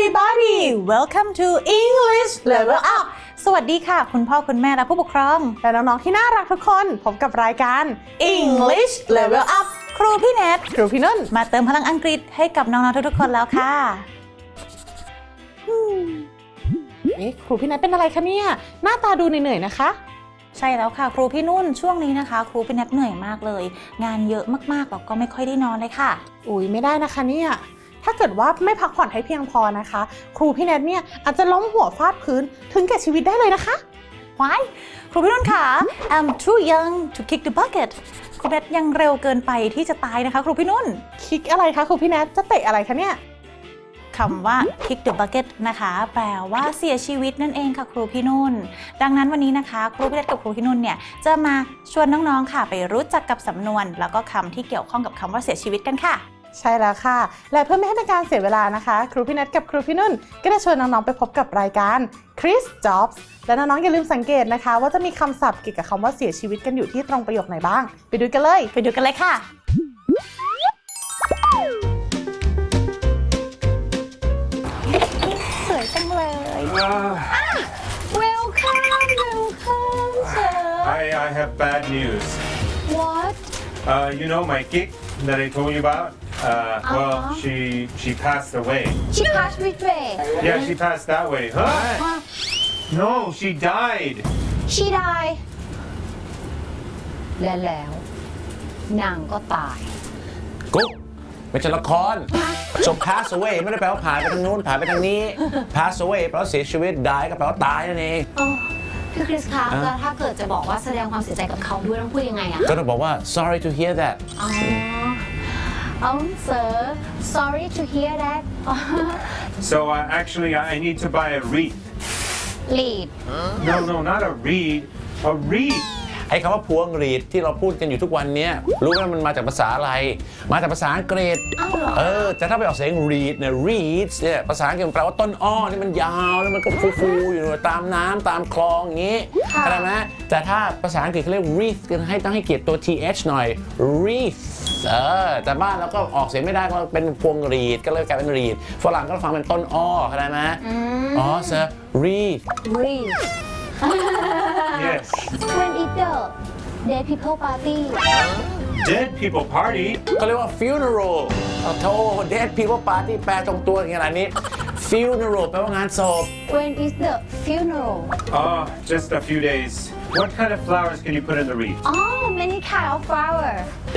everybody welcome to English Level Up สวัสดีค่ะคุณพ่อคุณแม่และผู้ปกครองและน้องๆที่น่ารักทุกคนพบกับรายการ English Level Up ครูพี่เนทครูพี่นุ่นมาเติมพลังอังกฤษให้กับน้องๆทุกๆคนแล้วค่ะครูพี่เนทเป็นอะไรคะเนี่ยหน้าตาดูเหนื่อยๆนะคะใช่แล้วค่ะครูพี่นุ่นช่วงนี้นะคะครูพี่เนทเหนื่อยมากเลยงานเยอะมากๆแล้วก็ไม่ค่อยได้นอนเลยค่ะอุ๊ยไม่ได้นะคะเนี่ยถ้าเกิดว่าไม่พักผ่อนให้เพียงพอนะคะครูพี่เนทเนี่ยอาจจะล้มหัวฟาดพื้นถึงแก่ชีวิตได้เลยนะคะ Why ครูพี่นุ่นค่ะ I'm too young to kick the bucket ครูเนทยังเร็วเกินไปที่จะตายนะคะครูพี่นุ่นคิกอะไรคะครูพี่เนทจะเตะอะไรคะเนี่ยคำว่า kick the bucket นะคะแปลว่าเสียชีวิตนั่นเองค่ะครูพี่นุ่นดังนั้นวันนี้นะคะครูพี่เนทกับครูพี่นุ่นเนี่ยจะมาชวนน้องๆค่ะไปรู้จักกับสำนวนแล้วก็คำที่เกี่ยวข้องกับคำว่าเสียชีวิตกันค่ะใช่แล้วค่ะและเพื่อไม่ให้เป็นการเสียเวลานะคะครูพี่เนทกับครูพี่นุ่นก็จะชวนน้องๆไปพบกับรายการ Chris Jobs และน้องๆอย่าลืมสังเกตนะคะว่าจะมีคำศัพท์เกี่ยวกับคำว่าเสียชีวิตกันอยู่ที่ตรงประโยคไหนบ้างไปดูกันเลยค่ะสวยจังเลย Welcome sir I have bad news. What? You know my gig that I told you about? Well, she passed away. She passed which way? Yeah, she passed that way. Huh? No, she died. She died แล้วนางก็ตายกุ๊กไม่ใช่ละคร so pass away ไม่ได้แปลว่าผ่านไปทางนู้นผ่านไปทางนี้ pass away แปลว่าเสียชีวิต die ก็แปลว่าตายนั่นเองพี่คริสคะแล้วถ้าเกิดจะบอกว่าแสดงความเสียใจกับเขาด้วยต้องพูดยังไงอะก็ต้องบอกว่า sorry to hear that sir sorry to hear that So actually, I need to buy a wreath. lead No, not a reed. A wreath. ไอ้คำว่าพวงหรีดที่เราพูดกันอยู่ทุกวันนี้รู้ไหมมันมาจากภาษาอะไรมาจากภาษาอังกฤษแต่ถ้าไปออกเสียง reed เนี่ย reeds เนี่ยภาษาอังกฤษแปลว่าต้นอ้อนี่มันยาวแล้วมันก็ฟูๆอยู่ตามน้ำตามคลองอย่างนี้เข้าใจไหมแต่ถ้าภาษาอังกฤษเขาเรียก wreath กันให้ต้องให้เกียรติตัว th หน่อย wreath แต่บ้านเราก็ออกเสียงไม่ได้ก็เป็นพวงหรีดก็เลยกลายเป็น reed ฝรั่งก็ฟังเป็นต้นอ้อเข้าใจไหมsir wreath Yes. when is the dead people party Dead people party. ก็เรียกว่า funeral โธ่ dead people party แปลตรงตัวอย่างนี้ funeral แปลว่างานศพ when is the funeral Just a few days. What kind of flowers can you put in the wreath? many kind of flower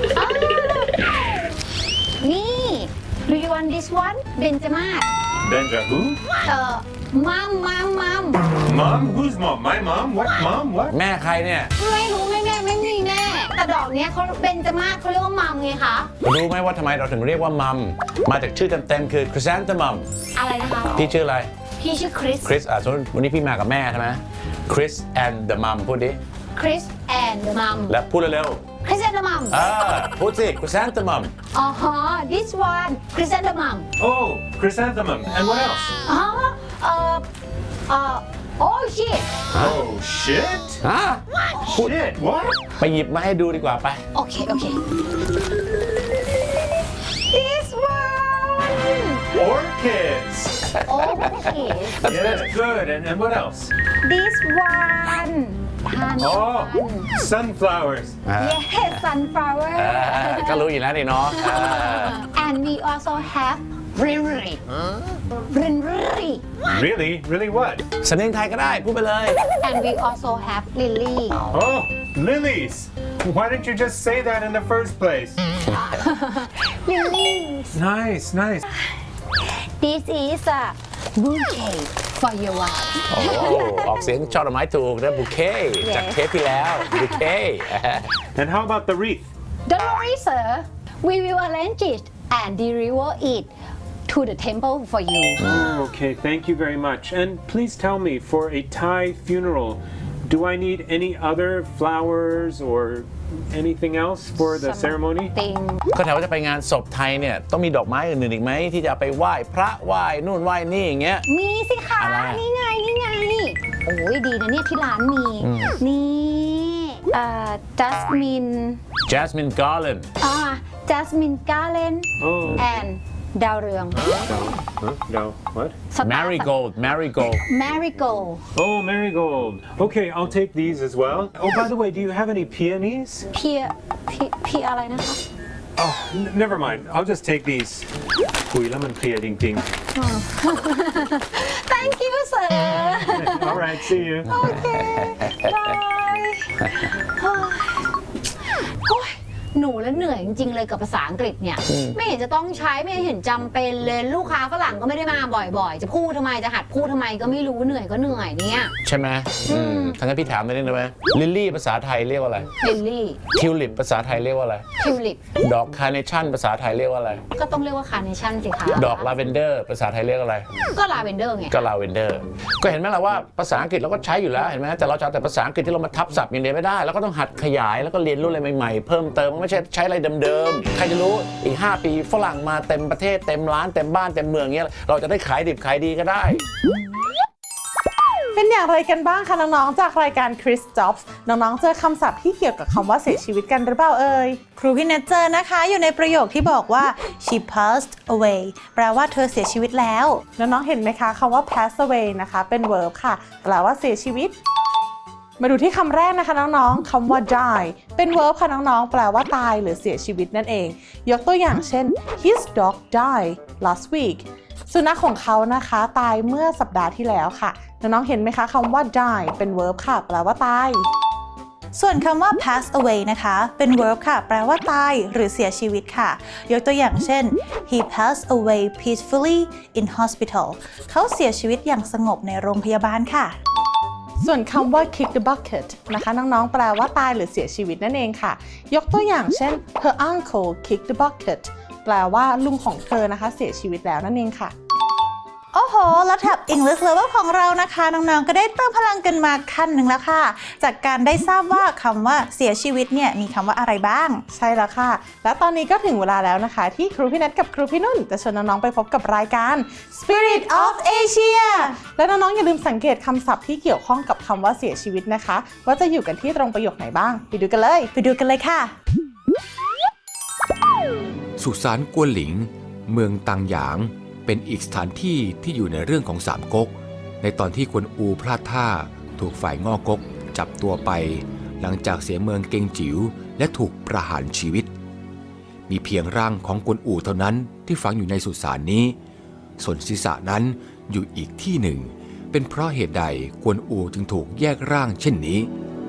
นี่ do you want this one เบญจมาศ Benja who? mom Mom? Who's mom? My mom? What mom? What? แม่ใครเนี่ยไม่รู้ไม่มีแน่แต่ดอกเนี้ยเขาเบญจมาศเขาเรียกว่ามัมไงคะรู้ไหมว่าทำไมเราถึงเรียกว่ามัมมาจากชื่อเต็มๆคือ chrysanthemum อะไรนะคะพี่ชื่ออะไรพี่ชื่อคริส Chris สมมติวันนี้พี่มากับแม่ใช่ไหม Chris and the mum พูดดิคริส and the mom และพูดเร็วคริส and the mom พูดสิ chrysanthemum this one คริส and the mom Oh, chrysanthemum. And what else? oh shit Oh, shit? ฮะ Shit, what? ไปหยิบมาให้ดูดีกว่าไปโอเค this one Orchids. okay Yeah, good. And what else? this one ทาน Oh, sunflowers. yes sunflower ก็รู้อยู่แล้วนี่เนาะ and we also have Riri Really? Really what? สำเนียงไทยก็ได้พูดไปเลย and we also have Lily Oh, lilies. Why didn't you just say that in the first place? Lilies Nice. this is a bouquet for your wife โอ้ออกเสียงช่อดอกไม้ถูกนะบุเคจากเทปที่แล้วบุเค And how about the wreath? don't worry sir we will arrange it and deliver it to the temple for you Okay, thank you very much. And please tell me, for a Thai funeral, do I need any other flowers or anything else for the ceremony? thing ก็ถามว่าจะไปงานศพไทยเนี่ยต้องมีดอกไม้อื่นๆอีกไหมที่จะเอาไปไหว้พระไหว้นู่นไหว้นี่อย่างเงี้ยมีสิคะอะไรนี่ไงโอ้ยดีนะเนี่ยที่ร้านมีนี่jasmine Jasmine garland jasmine garland Oh, and ดาวเรือง No. What? marigold marigold marigold Oh, marigold. Okay, I'll take these as well. Oh, by the way, do you have any peonies? เพียอะไรนะคะ Oh, never mind. I'll just take these. Uy, lemon pear ding ding. thank you sir All right, see you. โอเคบายโอ้ยหนูแล้วเหนื่อยจริงๆเลยกับภาษาอังกฤษเนี่ย ไม่เห็นจะต้องใช้ไม่เห็นจำเป็นเลยลูกค้าฝรั่งก็ไม่ได้มาบ่อยๆ จะพูดทำไมจะหัดพูดทำไมก็ไม่รู้เหนื่อยก็เหนื่อยเนี่ยใช่ไหมทั้งนั้นพี่ถามได้ไหมลิลลี่ภาษาไทยเรียกว่าอะไรลิลลี่ทิวลิปภาษาไทยเรียกว่าอะไรทิวลิปดอกคาร์เนชั่นภาษาไทยเรียกว่าอะไรก็ต้องเรียกว่าคาร์เนชั่นสิคะดอกลาเวนเดอร์ภาษาไทยเรียกอะไรก็ลาเวนเดอร์ไงก็ลาเวนเดอร์ก็เห็นไหมล่ะว่าภาษาอังกฤษเราก็ใช้อยู่แล้วเห็นไหมแต่เราจะเอาแต่ภาษาอังกฤษที่เรามาทับศัพท์อย่างเดียวไม่ได้เราก็ต้องหัดขยายแล้วก็เรียนรู้อะไรใหม่ๆเพิ่มเติมไม่ใช่ใช้อะไรเดิมๆใครจะรู้อีก5 ปีฝรั่งมาเต็มประเทศเต็มร้านเต็มบ้านเต็มเมืองเงี้ยเราจะได้ขายดิบขายดีก็ได้เป็นอย่างไรกันบ้างคะน้องๆจากรายการ Chris Jobs น้องๆเจอคำศัพท์ที่เกี่ยวกับคำว่าเสียชีวิตกันหรือเปล่าเอ่ยครูพี่เนทเจอนะคะอยู่ในประโยคที่บอกว่า she passed away แปลว่าเธอเสียชีวิตแล้วน้องๆเห็นไหมคะคำว่า pass away นะคะเป็น verb ค่ะแปลว่าเสียชีวิต มาดูที่คำแรกนะคะน้องๆคำว่า die เป็น verb ค่ะน้องๆแปลว่าตายหรือเสียชีวิตนั่นเอง ยกตัวอย่างเช่น his dog died last week สุนัขของเขานะคะตายเมื่อสัปดาห์ที่แล้วค่ะน้องๆเห็นไหมคะคำว่า die เป็น verb ค่ะแปลว่าตายส่วนคำว่า pass away นะคะเป็น verb ค่ะแปลว่าตายหรือเสียชีวิตค่ะ ยกตัวอย่างเช่น he passed away peacefully in hospital เขาเสียชีวิตอย่างสงบในโรงพยาบาลค่ะส่วนคำว่า kick the bucket นะคะน้องๆแปลว่าตายหรือเสียชีวิตนั่นเองค่ะยกตัวอย่างเช่น her uncle kicked the bucket แปลว่าลุงของเธอนะคะเสียชีวิตแล้วนั่นเองค่ะโอ้โห แล้วแท็บ English Level ของเรานะคะ น้องๆ ก็ได้เติมพลังกันมาขั้นหนึ่งแล้วค่ะ จากการได้ทราบว่าคำว่าเสียชีวิตเนี่ยมีคำว่าอะไรบ้างใช่แล้วค่ะ และตอนนี้ก็ถึงเวลาแล้วนะคะที่ครูพี่นัทกับครูพี่นุ่นจะชวนน้องๆไปพบกับรายการ Spirit of Asia และน้องๆอย่าลืมสังเกตคำศัพท์ที่เกี่ยวข้องกับคำว่าเสียชีวิตนะคะว่าจะอยู่กันที่ตรงประโยคไหนบ้างไปดูกันเลยไปดูกันเลยค่ะสุสานกวนหลิงเมืองตังหยางเป็นอีกสถานที่ที่อยู่ในเรื่องของสามก๊กในตอนที่กวนอูพลาดท่าถูกฝ่ายง่อก๊กจับตัวไปหลังจากเสียเมืองเกงจิ๋วและถูกประหารชีวิตมีเพียงร่างของกวนอูเท่านั้นที่ฝังอยู่ในสุสานนี้ส่วนศีรษะนั้นอยู่อีกที่หนึ่งเป็นเพราะเหตุใดกวนอูจึงถูกแยกร่างเช่นนี้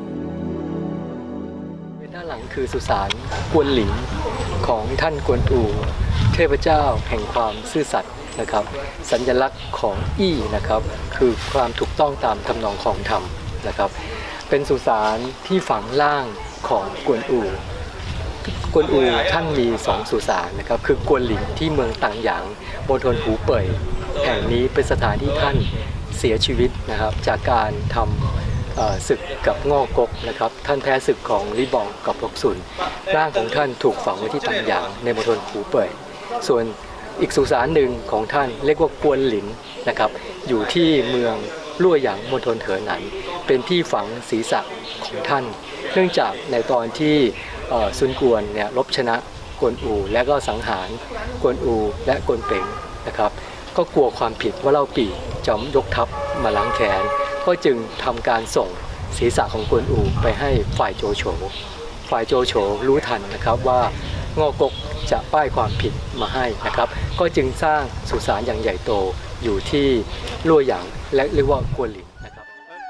ด้านหลังคือสุสานกวนหลิงของท่านกวนอูเทพเจ้าแห่งความซื่อสัตย์นะครับสัญลักษณ์ของอี้นะครับคือความถูกต้องตามทำนองของธรรมนะครับเป็นสุสานที่ฝังร่างของกวนอูท่านมี2สุสานนะครับคือกวนหลิงที่เมืองตังหยางมณฑลหูเป่ยแห่งนี้เป็นสถานที่ท่านเสียชีวิตนะครับจากการทำศึกกับง่อกกนะครับท่านแพ้ศึกของลิบองกับลกซุนร่างของท่านถูกฝังไว้ที่ตังหยางในมณฑลหูเป่ยส่วนอีกสุสานหนึ่งของท่านเรียกว่ากวนหลินนะครับอยู่ที่เมืองลั่วหยางมณฑลเถอหนันเป็นที่ฝังศีรษะของท่านเนื่องจากในตอนที่ซุนกวนเนี่ยรบชนะกวนอูและก็สังหารกวนอูและกวนเป๋งนะครับก็กลัวความผิดว่าเล่าปี่จะยกทัพมาล้างแค้นก็จึงทำการส่งศีรษะของกวนอูไปให้ฝ่ายโจโฉรู้ทันนะครับว่าง่อกกจะป้ายความผิดมาให้นะครับก็จึงสร้างสุสานอย่างใหญ่โตอยู่ที่ลั่วหยางและเรียกว่ากวนหลินนะครับ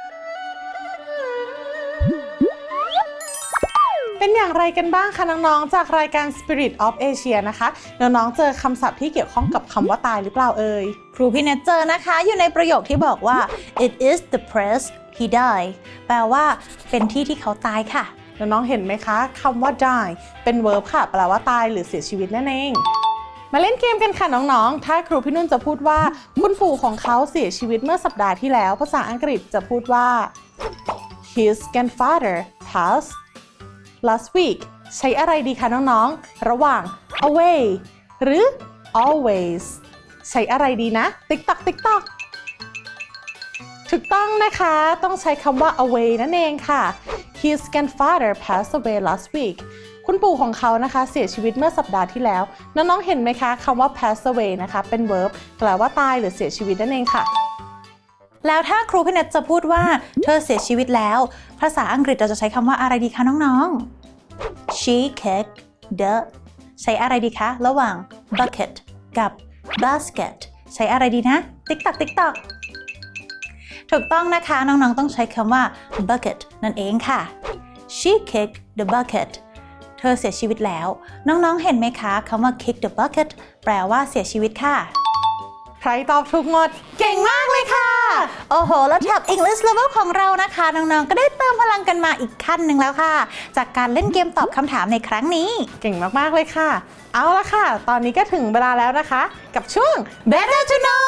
เป็นอย่างไรกันบ้างคะน้องๆจากรายการ Spirit of Asia นะคะน้องๆเจอคำศัพท์ที่เกี่ยวข้องกับคำว่าตายหรือเปล่าเอ่ยครูพี่เนทเจอนะคะอยู่ในประโยคที่บอกว่า it is the place he died แปลว่าเป็นที่ที่เขาตายค่ะน้องๆเห็นไหมคะคำว่า die เป็น verb ค่ะแปลว่าตายหรือเสียชีวิตนั่นเองมาเล่นเกมกันค่ะน้องๆถ้าครูพี่นุ่นจะพูดว่าคุณปู่ของเขาเสียชีวิตเมื่อสัปดาห์ที่แล้วภาษาอังกฤษจะพูดว่า his grandfather passed last week ใช้อะไรดีคะน้องๆระหว่าง away หรือ always ใช้อะไรดีนะ TikTok ถูกต้องนะคะต้องใช้คำว่า away นั่นเองค่ะ his grandfather passed away last week คุณคุณปู่ของเขานะคะเสียชีวิตเมื่อสัปดาห์ที่แล้วน้องๆเห็นไหมคะคำว่า pass away นะคะเป็น verb แปลว่าตายหรือเสียชีวิตนั่นเองค่ะแล้วถ้าครูพี่เนทจะพูดว่าเธอเสียชีวิตแล้วภาษาอังกฤษเราจะใช้คำว่าอะไรดีคะน้องๆ She kicked the ใช้อะไรดีคะระหว่าง bucket กับ basket ใช้อะไรดีนะ ติ๊กตักติ๊กตักถูกต้องนะคะน้องๆต้องใช้คำว่า bucket นั่นเองค่ะ She kicked the bucket เธอเสียชีวิตแล้วน้องๆเห็นไหมคะคำว่า kick the bucket แปลว่าเสียชีวิตค่ะใครตอบถูกหมดเก่งมากเลยค่ะ โอ้โห แล้วแท็บ English Level ของเรานะคะ น้องๆ ก็ได้เติมพลังกันมาอีกขั้นหนึ่งแล้วค่ะ จากการเล่นเกมตอบคำถามในครั้งนี้เก่งมากๆเลยค่ะ เอาละค่ะ ตอนนี้ก็ถึงเวลาแล้วนะคะ กับช่วง Better to know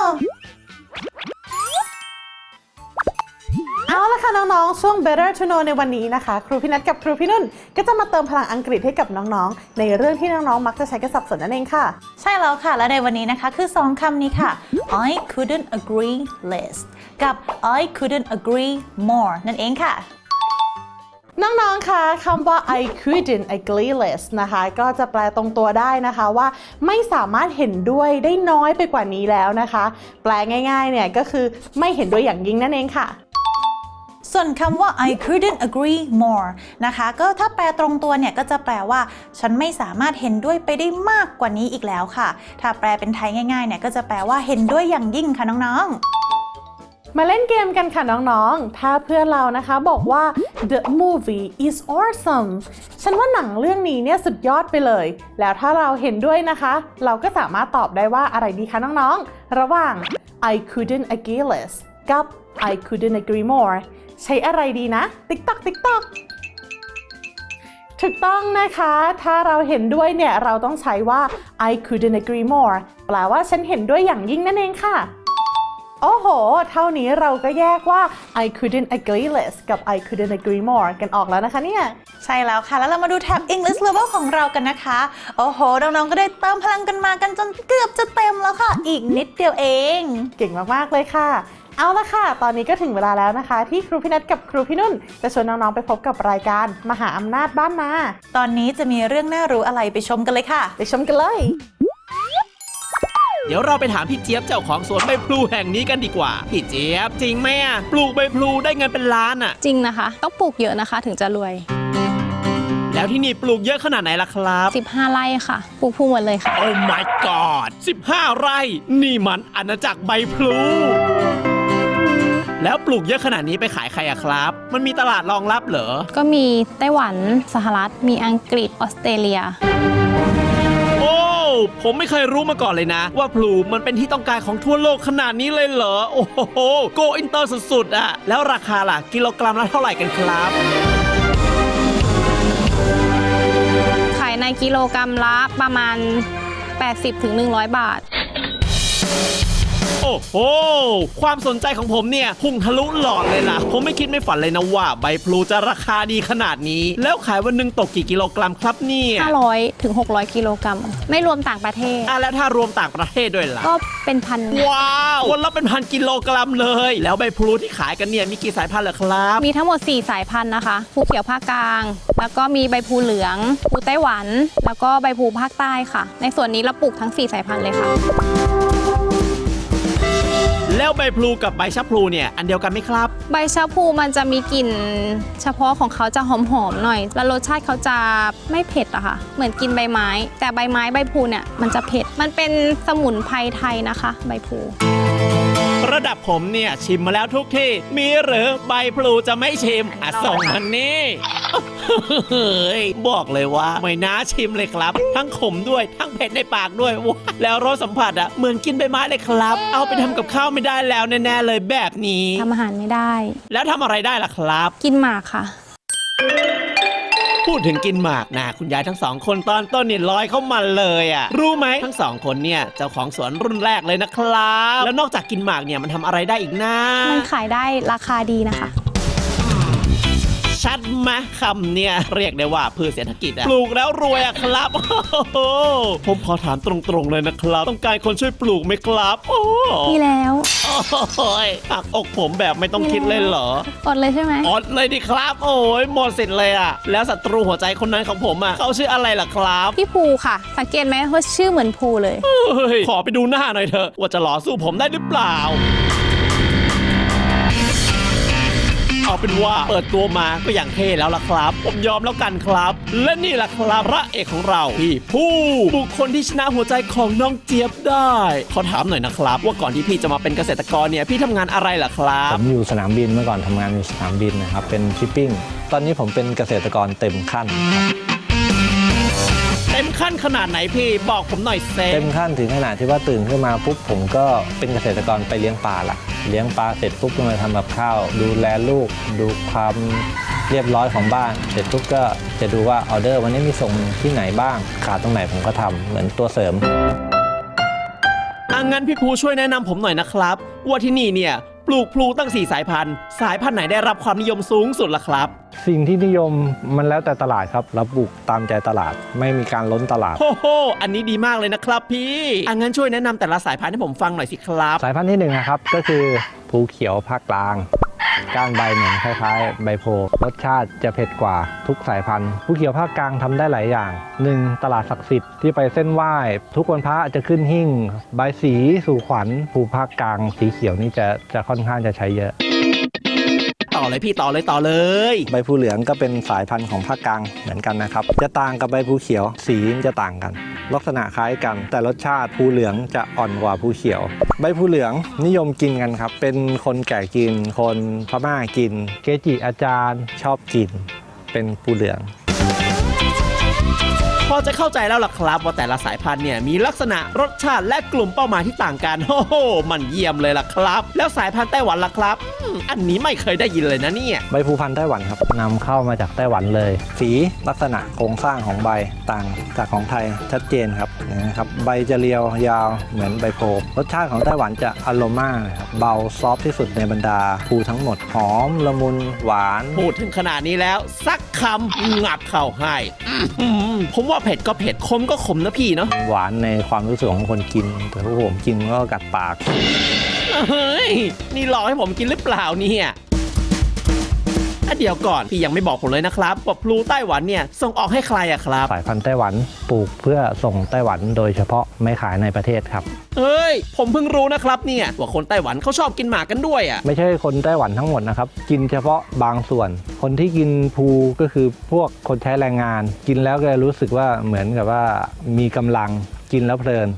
เอาละค่ะน้องๆช่วง Better to Know ในวันนี้นะคะครูพี่นัทกับครูพี่นุ่นก็จะมาเติมพลังอังกฤษให้กับน้องๆในเรื่องที่น้องๆมักจะใช้กันสับสนนั่นเองค่ะใช่แล้วค่ะ และในวันนี้นะคะคือ 2 คำนี้ค่ะ I couldn't agree less กับ I couldn't agree more นั่นเองค่ะน้องๆคะคำว่า I couldn't agree less นะคะก็จะแปลตรงตัวได้นะคะว่าไม่สามารถเห็นด้วยได้น้อยไปกว่านี้แล้วนะคะ แปลง่ายๆเนี่ยก็คือไม่เห็นด้วยอย่างยิ่งนั่นเองค่ะส่วนคำว่า I couldn't agree more นะคะก็ถ้าแปลตรงตัวเนี่ยก็จะแปลว่าฉันไม่สามารถเห็นด้วยไปได้มากกว่านี้อีกแล้วค่ะถ้าแปลเป็นไทยง่ายๆเนี่ยก็จะแปลว่าเห็นด้วยอย่างยิ่งค่ะน้องๆมาเล่นเกมกันค่ะน้องๆถ้าเพื่อนเรานะคะบอกว่า the movie is awesome ฉันว่าหนังเรื่องนี้เนี่ยสุดยอดไปเลยแล้วถ้าเราเห็นด้วยนะคะเราก็สามารถตอบได้ว่าอะไรดีคะน้องๆระหว่าง I couldn't agree less กับ I couldn't agree moreใช้อะไรดีนะ ติ๊กตักติ๊กตักถูกต้องนะคะถ้าเราเห็นด้วยเนี่ยเราต้องใช้ว่า I couldn't agree more แปลว่าฉันเห็นด้วยอย่างยิ่งนั่นเองค่ะโอ้โหเท่านี้เราก็แยกว่า I couldn't agree less กับ I couldn't agree more กันออกแล้วนะคะเนี่ยใช่แล้วค่ะแล้วเรามาดูแท็บ English Level ของเรากันนะคะโอ้โหน้องๆก็ได้เติมพลังกันมากันจนเกือบจะเต็มแล้วค่ะอีกนิดเดียวเองเก่งมากๆเลยค่ะเอาละค่ะตอนนี้ก็ถึงเวลาแล้วนะคะที่ครูพี่นัทกับครูพี่นุ่นจะชวนน้องๆไปพบกับรายการมหาอำนาจบ้านนาตอนนี้จะมีเรื่องน่ารู้อะไรไปชมกันเลยค่ะไปชมกันเลยเดี๋ยวเราไปถามพี่เจี๊ยบเจ้าของสวนใบพลูแห่งนี้กันดีกว่าพี่เจี๊ยบจริงไหมอ่ะปลูกใบพลูได้เงินเป็นล้านอ่ะจริงนะคะต้องปลูกเยอะนะคะถึงจะรวยแล้วที่นี่ปลูกเยอะขนาดไหนล่ะครับ 15 ไร่ค่ะปลูกพลูหมดเลยค่ะโอ้ my god 15 ไร่นี่มันอาณาจักรใบพลูแล้วปลูกเยอะขนาดนี้ไปขายใครอะครับมันมีตลาดรองรับเหรอก็มีไต้หวันสหรัฐมีอังกฤษออสเตรเลียโอ้ผมไม่เคยรู้มาก่อนเลยนะ ว่าพลูมันเป็นที่ต้องการของทั่วโลกขนาดนี้เลยเหรอโอ้โหโกอินเตอร์สุดๆอะแล้วราคาล่ะกิโลกรัมละเท่าไหร่กันครับขายในกิโลกรัมละประมาณ 80-100 บาทโอ้โหความสนใจของผมเนี่ยพุ่งทะลุหลอดเลยล่ะผมไม่คิดไม่ฝันเลยนะว่าใบพลูจะราคาดีขนาดนี้แล้วขายวันหนึ่งตกกี่กิโลกรัมครับเนี่ย 500-600 กิโลกรัมไม่รวมต่างประเทศแล้วถ้ารวมต่างประเทศด้วยล่ะก็เป็นพันว้าววันละเป็นพันกิโลกรัมเลยแล้วใบพลูที่ขายกันเนี่ยมีกี่สายพันธุ์เหรอครับมีทั้งหมด4สายพันธุ์นะคะพลูเขียวภาคกลางแล้วก็มีใบพลูเหลืองพลูไต้หวันแล้วก็ใบพลูภาคใต้ค่ะ ในส่วนนี้เราปลูกทั้ง4สายพันธุ์เลยค่ะแล้วใบพลูกับใบชะพลูเนี่ยอันเดียวกันไหมครับใบชะพลูมันจะมีกลิ่นเฉพาะของเขาจะหอมๆหน่อยแล้วรสชาติเขาจะไม่เผ็ดอะค่ะเหมือนกินใบไม้แต่ใบไม้ใบพลูเนี่ยมันจะเผ็ดมันเป็นสมุนไพรไทยนะคะใบพลูระดับผมเนี่ยชิมมาแล้วทุกที่มีหรือใบพลูจะไม่ชิมส่งมันนี่เฮ้ยบอกเลยว่าไม่น่าชิมเลยครับ ทั้งขมด้วยทั้งเผ็ดในปากด้วยว้าแล้วรสสัมผัสอะเหมือนกินใบไม้เลยครับ เอาไปทำกับข้าวไม่ได้แล้วแน่ๆเลยแบบนี้ทำอาหารไม่ได้แล้วทำอะไรได้ล่ะครับกินหมากค่ะพูดถึงกินหมากนะคุณยายทั้งสองคนตอนต้นนี่ลอยเข้ามาเลยอ่ะรู้ไหมทั้งสองคนเนี่ยเจ้าของสวนรุ่นแรกเลยนะครับแล้วนอกจากกินหมากเนี่ยมันทำอะไรได้อีกนะมันขายได้ราคาดีนะคะชัดมาคำเนี่ยเรียกได้ว่าพืชเศรษฐกิจอะปลูกแล้วรวยอะครับโอ้โหผมขอถามตรงๆเลยนะครับ ต้องการคนช่วยปลูกไหมครับโอ้มีแล้วโอ้ยหักอกผมแบบไม่ต้องคิดเลยเหรออดเลยใช่ไหมอดเลยดิครับ โอ้ยหมดสิทธิ์เลยอะแล้วศัตรูหัวใจคนนั้นของผมอะเขาชื่ออะไรล่ะครับพี่ภูค่ะ สังเกตไหมว่าชื่อเหมือนภูเลยเฮ้ยขอไปดูหน้าหน่อยเถอะว่าจะหล่อสู้ผมได้หรือเปล่า เอาเป็นว่าเปิดตัวมาก็อย่างเท่แล้วล่ะครับ ผมยอมแล้วกันครับ และนี่แหละครับพระเอกของเราพี่ผู้บุคคลที่ชนะหัวใจของน้องเจี๊ยบได้ขอถามหน่อยนะครับ ว่าก่อนที่พี่จะมาเป็นเกษตรกรเนี่ยพี่ทำงานอะไรล่ะครับผมอยู่สนามบินเมื่อก่อนทำงานอยู่สนามบินนะครับเป็นชิปปิ้งตอนนี้ผมเป็นเกษตรกรเต็มขั้นครับเต็มขั้นขนาดไหนพี่บอกผมหน่อยเซเต็มขั้นถึงขนาดที่ว่าตื่นขึ้นมาปุ๊บผมก็เป็นเกษตรกรไปเลี้ยงปลาละเลี้ยงปลาเสร็จปุ๊บก็มาทำกับข้าวดูแลลูกดูความเรียบร้อยของบ้านเสร็จปุ๊บก็จะดูว่าออเดอร์วันนี้มีส่งที่ไหนบ้างขาดตรงไหนผมก็ทำเหมือนตัวเสริมงั้นพี่ภูช่วยแนะนำผมหน่อยนะครับว่าที่นี่เนี่ยปลูกพลูตั้ง4สายพันธุ์สายพันธุ์ไหนได้รับความนิยมสูงสุดล่ะครับสิ่งที่นิยมมันแล้วแต่ตลาดครับเราปลูกตามใจตลาดไม่มีการล้นตลาดโอ้โหอันนี้ดีมากเลยนะครับพี่งั้นช่วยแนะนำแต่ละสายพันธุ์ให้ผมฟังหน่อยสิครับสายพันธุ์ที่1นะครับก็คือภูเขียวภาคกลางก้านใบเหมือนคล้ายๆใบโพรสชาติจะเผ็ดกว่าทุกสายพันธุ์ภูเขียวภาคกลางทำได้หลายอย่าง 1. ตลาดศักดิ์สิทธิ์ที่ไปเส้นไหว้ทุกวันพระจะขึ้นหิ้งใบสีสู่ขวัญภูภาคกลางสีเขียวนี่จะค่อนข้างจะใช้เยอะต่อเลยพี่ต่อเลยใบภูเหลืองก็เป็นสายพันธุ์ของภาคกลางเหมือนกันนะครับจะต่างกับใบภูเขียวสีจะต่างกันลักษณะคล้ายกันแต่รสชาติภูเหลืองจะอ่อนกว่าภูเขียวใบภูเหลืองนิยมกินกันครับเป็นคนแก่กินคนพม่ากินเกจิอาจารย์ชอบกินเป็นภูเหลืองพอจะเข้าใจแล้วล่ะครับว่าแต่ละสายพันธุ์เนี่ยมีลักษณะรสชาติและกลุ่มเป้าหมายที่ต่างกันโอ้โหมันเยี่ยมเลยล่ะครับแล้วสายพันธุ์ไต้หวันล่ะครับอันนี้ไม่เคยได้ยินเลยนะเนี่ยใบภูพันธุ์ไต้หวันครับนำเข้ามาจากไต้หวันเลยสีลักษณะโครงสร้างของใบต่างจากของไทยชัดเจนครับนะครับใบจะเรียวยาวเหมือนใบโพรสชาติของไต้หวันจะอโรมาครับเบาซอฟที่สุดในบรรดาภูทั้งหมดหอมละมุนหวานพูดถึงขนาดนี้แล้วสักคำงับเข้าให้ผมว่าเผ็ดก็เผ็ดขมก็ขมนะพี่เนาะหวานในความรู้สึกของคนกินแต่พวกผมกินก็กัดปากเฮ้ยนี่หลอกให้ผมกินหรือเปล่าเนี่ยเดี๋ยวก่อนพี่ยังไม่บอกผมเลยนะครับว่าพลูไต้หวันเนี่ยส่งออกให้ใครอะครับสายพันธุ์ไต้หวันปลูกเพื่อส่งไต้หวันโดยเฉพาะไม่ขายในประเทศครับเฮ้ยผมเพิ่งรู้นะครับเนี่ยว่าคนไต้หวันเขาชอบกินหมากกันด้วยอะไม่ใช่คนไต้หวันทั้งหมดนะครับกินเฉพาะบางส่วน คนที่กินภูก็คือพวกคนใช้แรงงานกินแล้วก็รู้สึกว่าเหมือนกับว่ามีกำลังกินแล้วเพลิน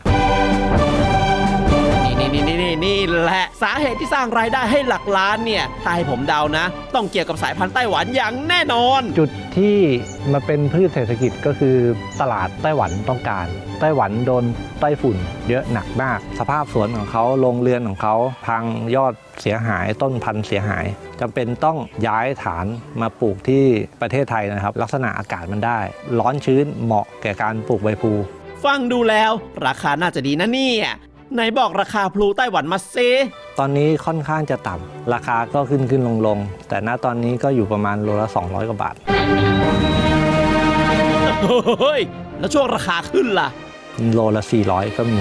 นี่แหละสาเหตุที่สร้างรายได้ให้หลักล้านเนี่ยถ้าให้ผมเดานะต้องเกี่ยวกับสายพันธุ์ไต้หวันอย่างแน่นอนจุดที่มาเป็นพืชเศรษฐกิจก็คือตลาดไต้หวันต้องการไต้หวันโดนไต้ฝุ่นเยอะหนักมากสภาพสวนของเขาโรงเรือนของเขาพังยอดเสียหายต้นพันธุ์เสียหายจำเป็นต้องย้ายฐานมาปลูกที่ประเทศไทยนะครับลักษณะอากาศมันได้ร้อนชื้นเหมาะแก่การปลูกใบพลูฟังดูแล้วราคาน่าจะดีนะเนี่ยไหนบอกราคาพลูไต้หวันมาซิตอนนี้ค่อนข้างจะต่ำราคาก็ขึ้นลงแต่ณตอนนี้ก็อยู่ประมาณโลละ200 กว่าบาทเฮ้ยแล้วช่วงราคาขึ้นล่ะโลละ400ก็มี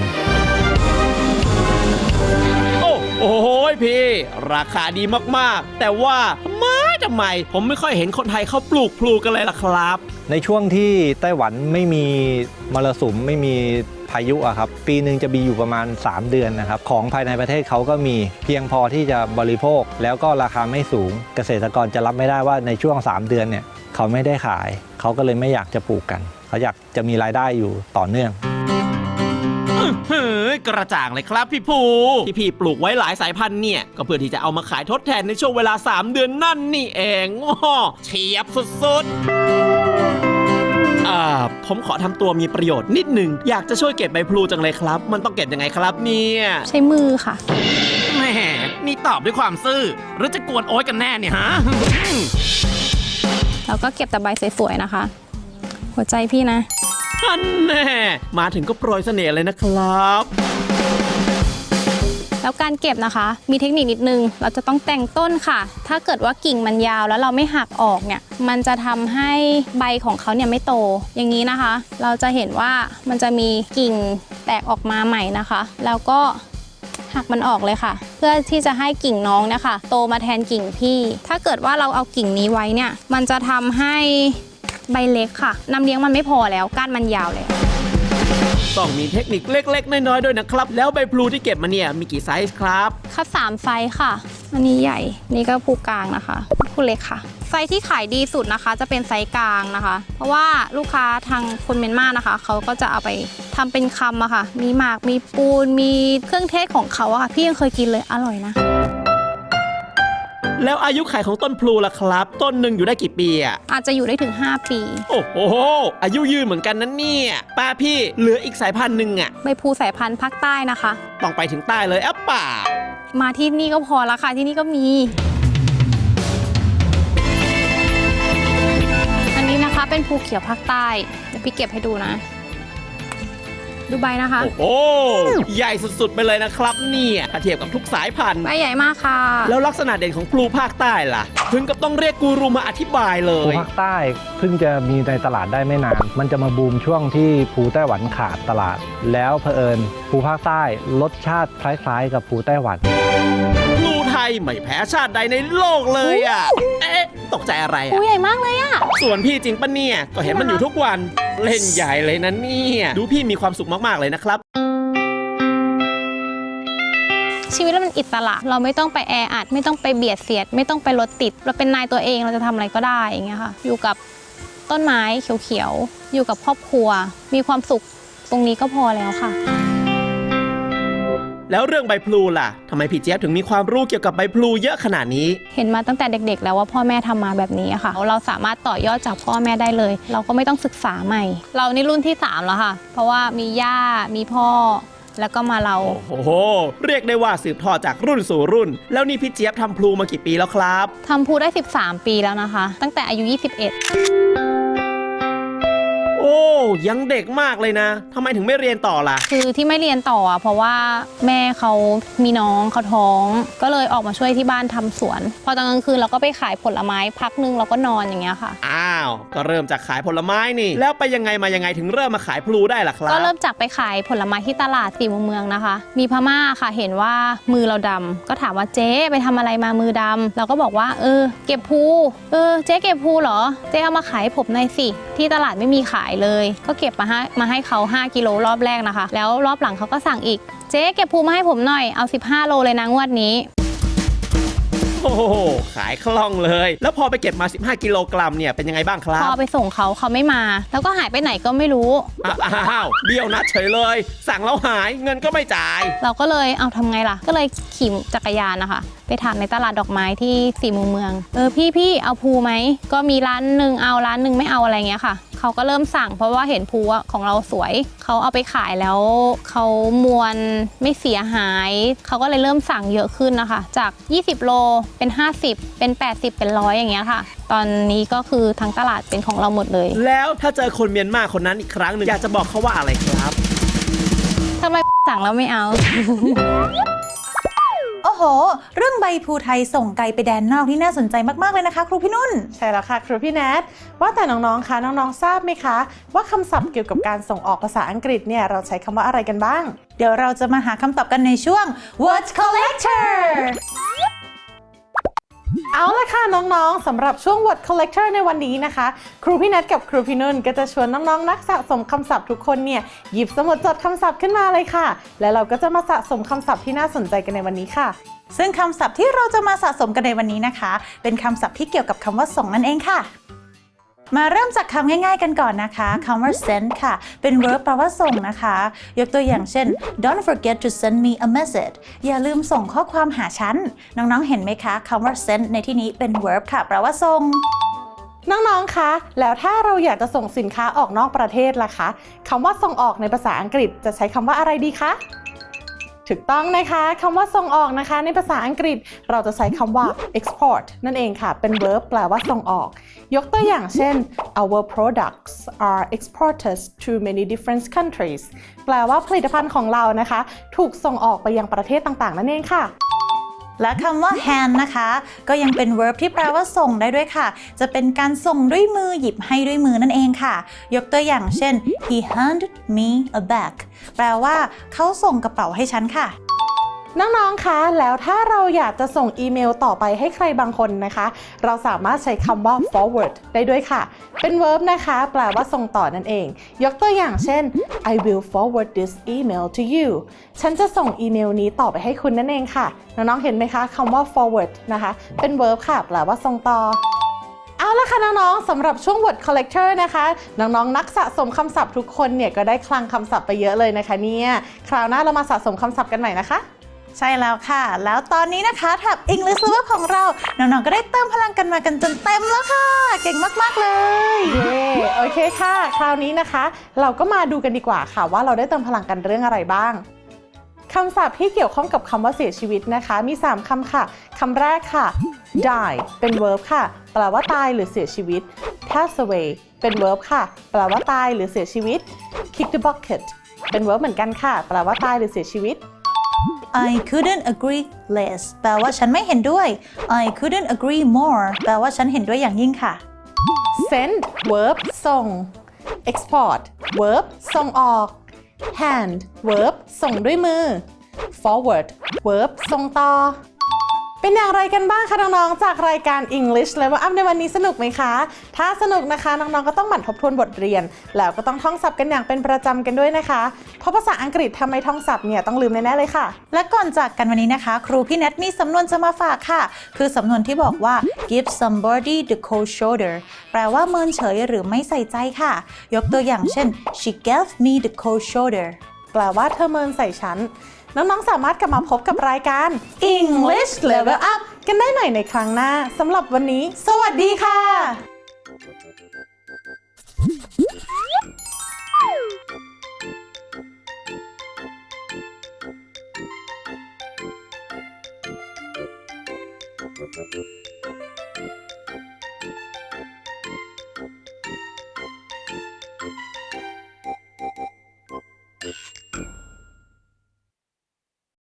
โอ้โหพี่ราคาดีมากๆแต่ว่าทำไมผมไม่ค่อยเห็นคนไทยเขาปลูกพลูกันเลยล่ะครับในช่วงที่ไต้หวันไม่มีมรสุมไม่มีพายุอะครับปีหนึ่งจะมีอยู่ประมาณ3เดือนนะครับของภายในประเทศเขาก็มีเพียงพอที่จะบริโภคแล้วก็ราคาไม่สูงเกษตรกรจะรับไม่ได้ว่าในช่วง3เดือนเนี่ยเขาไม่ได้ขายเขาก็เลยไม่อยากจะปลูกกันเขาอยากจะมีรายได้อยู่ต่อเนื่องเฮ้ยกระจ่างเลยครับพี่ภูที่พี่ปลูกไว้หลายสายพันธุ์เนี่ยก็เพื่อที่จะเอามาขายทดแทนในช่วงเวลา3เดือนนั่นนี่เองเฉียบสุดๆผมขอทำตัวมีประโยชน์นิดหนึ่งอยากจะช่วยเก็บใบพลูจังเลยครับมันต้องเก็บยังไงครับเนี่ยใช้มือค่ะแหมนี่ตอบด้วยความซื่อหรือจะกวนโอ๊ยกันแน่เนี่ยฮะแล้วก็เก็บแต่ใบสวยๆนะคะ หัวใจพี่นะท่านแน่มาถึงก็โปรยเสน่ห์เลยนะครับแล้วการเก็บนะคะมีเทคนิคนิดนึงเราจะต้องแต่งต้นค่ะถ้าเกิดว่ากิ่งมันยาวแล้วเราไม่หักออกเนี่ยมันจะทำให้ใบของเขาเนี่ยไม่โตอย่างนี้นะคะเราจะเห็นว่ามันจะมีกิ่งแตกออกมาใหม่นะคะแล้วก็หักมันออกเลยค่ะเพื่อที่จะให้กิ่งน้องเนี่ยค่ะโตมาแทนกิ่งพี่ถ้าเกิดว่าเราเอากิ่งนี้ไว้เนี่ยมันจะทำให้ใบเล็กค่ะน้ำเลี้ยงมันไม่พอแล้วก้านมันยาวเลยต้องมีเทคนิคเล็กๆน้อยๆด้วยนะครับแล้วใบพลูที่เก็บมาเนี่ยมีกี่ไซส์ครับคัด3ไซส์ค่ะอันนี้ใหญ่นี่ก็ภูกลางนะคะภูเล็กค่ะไซส์ที่ขายดีสุดนะคะจะเป็นไซส์กลางนะคะเพราะว่าลูกค้าทางคนเมียนมานะคะเขาก็จะเอาไปทำเป็นคำอะค่ะมีหมากมีปูนมีเครื่องเทศของเขาอะค่ะพี่ยังเคยกินเลยอร่อยนะแล้วอายุขัยของต้นพลูล่ะครับต้นหนึ่งอยู่ได้กี่ปีอ่ะอาจจะอยู่ได้ถึง5 ปีโอ้โหอายุยืนเหมือนกันนั้นเนี่ยป้าพี่เหลืออีกสายพันธุ์หนึ่งอ่ะใบพลูสายพันธุ์ภาคใต้นะคะต้องไปถึงใต้เลยเปล่ามาที่นี่ก็พอละค่ะที่นี่ก็มีอันนี้นะคะเป็นภูเขียวภาคใต้เดี๋ยวพี่เก็บให้ดูนะดูใบนะคะโอ้ใหญ่สุดๆไปเลยนะครับเนี่ยถ้าเทียบกับทุกสายพันธุ์ใบใหญ่มากค่ะแล้วลักษณะเด่นของพลูภาคใต้ล่ะถึงกับต้องเรียกกูรูมาอธิบายเลยพลูภาคใต้เพิ่งจะมีในตลาดได้ไม่นานมันจะมาบูมช่วงที่พลูไต้หวันขาดตลาดแล้วเผอิญพลูภาคใต้รสชาติคล้ายๆกับพลูไต้หวันพลูไทยไม่แพ้ชาติใดในโลกเลยอ่ะตกใจอะไรอ่ะพลูใหญ่มากเลยอ่ะส่วนพี่จริงปะเนี่ยก็เห็นมันอยู่ทุกวันเล่นใหญ่เลยนะเนี่ยดูพี่มีความสุขมากๆเลยนะครับชีวิตเราเป็นอิสระเราไม่ต้องไปแออัดไม่ต้องไปเบียดเสียดไม่ต้องไปรถติดเราเป็นนายตัวเองเราจะทำอะไรก็ได้อย่างเงี้ยค่ะอยู่กับต้นไม้เขียวๆอยู่กับครอบครัวมีความสุขตรงนี้ก็พอแล้วค่ะแล้วเรื่องใบพลูล่ะทำไมพี่เจี๊ยบถึงมีความรู้เกี่ยวกับใบพลูเยอะขนาดนี้เห็นมาตั้งแต่เด็กๆแล้วว่าพ่อแม่ทำมาแบบนี้ค่ะเราสามารถต่อยอดจากพ่อแม่ได้เลยเราก็ไม่ต้องศึกษาใหม่เรานี่รุ่นที่3แล้วค่ะเพราะว่ามีย่ามีพ่อแล้วก็มาเราโอ้โหเรียกได้ว่าสืบทอดจากรุ่นสู่รุ่นแล้วนี่พี่เจี๊ยบทำพลูมากี่ปีแล้วครับทำพลูได้13 ปีแล้วนะคะตั้งแต่อายุ21 โอ้ยังเด็กมากเลยนะทำไมถึงไม่เรียนต่อล่ะคือที่ไม่เรียนต่อเพราะว่าแม่เขามีน้องเขาท้องก็เลยออกมาช่วยที่บ้านทำสวนพอตอนกลางคืนเราก็ไปขายผลไม้พักนึงเราก็นอนอย่างเงี้ยค่ะอ้าวก็เริ่มจากขายผลไม้นี่แล้วไปยังไงมายังไงถึงเริ่มมาขายพลูได้ล่ะครับก็เริ่มจากไปขายผลไม้ที่ตลาด4 มุมเมืองนะคะมีพม่าค่ะเห็นว่ามือเราดำก็ถามว่าเจ๊ไปทำอะไรมามือดำเราก็บอกว่าเก็บพลูเจ๊เก็บพลูเหรอเจ๊เอามาขายผมหน่อยสิที่ตลาดไม่มีขายเลยก็เก็บมาให้เขา5 กิโลรอบแรกนะคะแล้วรอบหลังเขาก็สั่งอีกเจ๊เก็บพลูมาให้ผมหน่อยเอา15 โลเลยนะงวดนี้โอ้โหขายคล่องเลยแล้วพอไปเก็บมา15 กิโลกรัมเนี่ยเป็นยังไงบ้างครับพอไปส่งเขาไม่มาแล้วก็หายไปไหนก็ไม่รู้อ้าวเบี้ยวนัดเฉยเลยสั่งแล้วหายเงินก็ไม่จ่ายเราก็เลยเอาทำไงล่ะก็เลยขี่จักรยานนะคะไปถามในตลาดดอกไม้ที่4 มุมเมืองพี่เอาพลูไหมก็มีร้านหนึ่งเอาร้านหนึ่งไม่เอาอะไรเงี้ยค่ะเขาก็เริ่มสั่งเพราะว่าเห็นพลูของเราสวยเขาเอาไปขายแล้วเขามวลไม่เสียหายเขาก็เลยเริ่มสั่งเยอะขึ้นนะคะจาก20 โลเป็น50เป็น80เป็น100อย่างเงี้ยค่ะตอนนี้ก็คือทั้งตลาดเป็นของเราหมดเลยแล้วถ้าเจอคนเมียนมาคนนั้นอีกครั้งหนึ่งอยากจะบอกเขาว่าอะไรครับทำไมสั่งแล้วไม่เอาโอ้โหเรื่องใบพลูไทยส่งไกลไปแดนนอกนี่น่าสนใจมากๆเลยนะคะครูพี่นุ่นใช่แล้วค่ะครูพี่แนทว่าแต่น้องๆคะน้องๆทราบไหมคะว่าคำศัพท์เกี่ยวกับการส่งออกภาษาอังกฤษเนี่ยเราใช้คำว่าอะไรกันบ้างเดี๋ยวเราจะมาหาคำตอบกันในช่วง Word Collector เอาละค่ะน้องๆสำหรับช่วง Word Collector ในวันนี้นะคะครูพี่แนทกับครูพี่นุ่นก็จะชวนน้องๆนักสะสมคำศัพท์ทุกคนเนี่ยหยิบสมุดจดคำศัพท์ขึ้นมาเลยค่ะและเราก็จะมาสะสมคำศัพท์ที่น่าสนใจกันในวันนี้ค่ะซึ่งคำศัพท์ที่เราจะมาสะสมกันในวันนี้นะคะเป็นคำศัพท์ที่เกี่ยวกับคำว่าส่งนั่นเองค่ะมาเริ่มจากคำง่ายๆกันก่อนนะคะคำว่า send ค่ะเป็น verb แปลว่าส่งนะคะยกตัวอย่างเช่น Don't forget to send me a message อย่าลืมส่งข้อความหาฉันน้องๆเห็นไหมคะคำว่า send ในที่นี้เป็น verb ค่ะแปลว่าส่งน้องๆคะแล้วถ้าเราอยากจะส่งสินค้าออกนอกประเทศล่ะคะคำว่าส่งออกในภาษาอังกฤษจะใช้คำว่าอะไรดีคะถูกต้องนะคะคำว่าส่งออกนะคะในภาษาอังกฤษเราจะใช้คำว่า export นั่นเองค่ะเป็น verb แปลว่าส่งออกยกตัวอย่างเช่น our products are exported to many different countries แปลว่าผลิตภัณฑ์ของเรานะคะถูกส่งออกไปยังประเทศต่างๆนั่นเองค่ะและคำว่า hand นะคะก็ยังเป็น verb ที่แปลว่าส่งได้ด้วยค่ะจะเป็นการส่งด้วยมือหยิบให้ด้วยมือนั่นเองค่ะยกตัวอย่างเช่น he handed me a bag แปลว่าเขาส่งกระเป๋าให้ฉันค่ะน้องๆ คะ แล้วถ้าเราอยากจะส่งอีเมลต่อไปให้ใครบางคนนะคะ เราสามารถใช้คำว่า forward ได้ด้วยค่ะ เป็น verb นะคะ แปลว่าส่งต่อนั่นเอง ยกตัวอย่างเช่น I will forward this email to you ฉันจะส่งอีเมลนี้ต่อไปให้คุณนั่นเองค่ะ น้องๆ เห็นไหมคะคำว่า forward นะคะ เป็น verb ค่ะ แปลว่าส่งต่อ เอาละค่ะน้องๆ สำหรับช่วง word collector นะคะ น้องๆ นักสะสมคำศัพท์ทุกคนเนี่ยก็ได้คลังคำศัพท์ไปเยอะเลยนะคะเนี่ยคราวหน้าเรามาสะสมคำศัพท์กันใหม่นะคะใช่แล้วค่ะแล้วตอนนี้นะคะแท็บ English Lover ของเราน้องๆก็ได้เติมพลังกันมากันจนเต็มแล้วค่ะเก่งมากๆเลยเย้โอเคค่ะคราวนี้นะคะเราก็มาดูกันดีกว่าค่ะว่าเราได้เติมพลังกันเรื่องอะไรบ้างคำศัพท์ที่เกี่ยวข้องกับคำว่าเสียชีวิตนะคะมี3คำค่ะคำแรกค่ะ die เป็น verb ค่ะแปลว่าตายหรือเสียชีวิต pass away เป็น verb ค่ะแปลว่าตายหรือเสียชีวิต kick the bucket เป็น verb เหมือนกันค่ะแปลว่าตายหรือเสียชีวิต I couldn't agree less แปลว่าฉันไม่เห็นด้วย I couldn't agree more แปลว่าฉันเห็นด้วยอย่างยิ่งค่ะ send verb ส่ง export verb ส่งออก hand verb ส่งด้วยมือ forward verb ส่งต่อเป็นอย่างไรกันบ้างคะน้องๆจากรายการ English Level Up ในวันนี้สนุกไหมคะถ้าสนุกนะคะน้องๆก็ต้องหมั่นทบทวนบทเรียนแล้วก็ต้องท่องศัพท์กันอย่างเป็นประจำกันด้วยนะคะเพราะภาษาอังกฤษทำไมท่องศัพท์เนี่ยต้องลืมแน่ๆเลยค่ะและก่อนจากกันวันนี้นะคะครูพี่แนทมีสำนวนจะมาฝากค่ะคือสำนวนที่บอกว่า give somebody the cold shoulder แปลว่าเมินเฉยหรือไม่ใส่ใจค่ะยกตัวอย่างเช่น she gave me the cold shoulder แปลว่าเธอเมินใส่ฉันน้องๆสามารถกลับมาพบกับรายการ English Level Up กันได้ใหม่ในครั้งหน้าสำหรับวันนี้สวัสดีค่ะ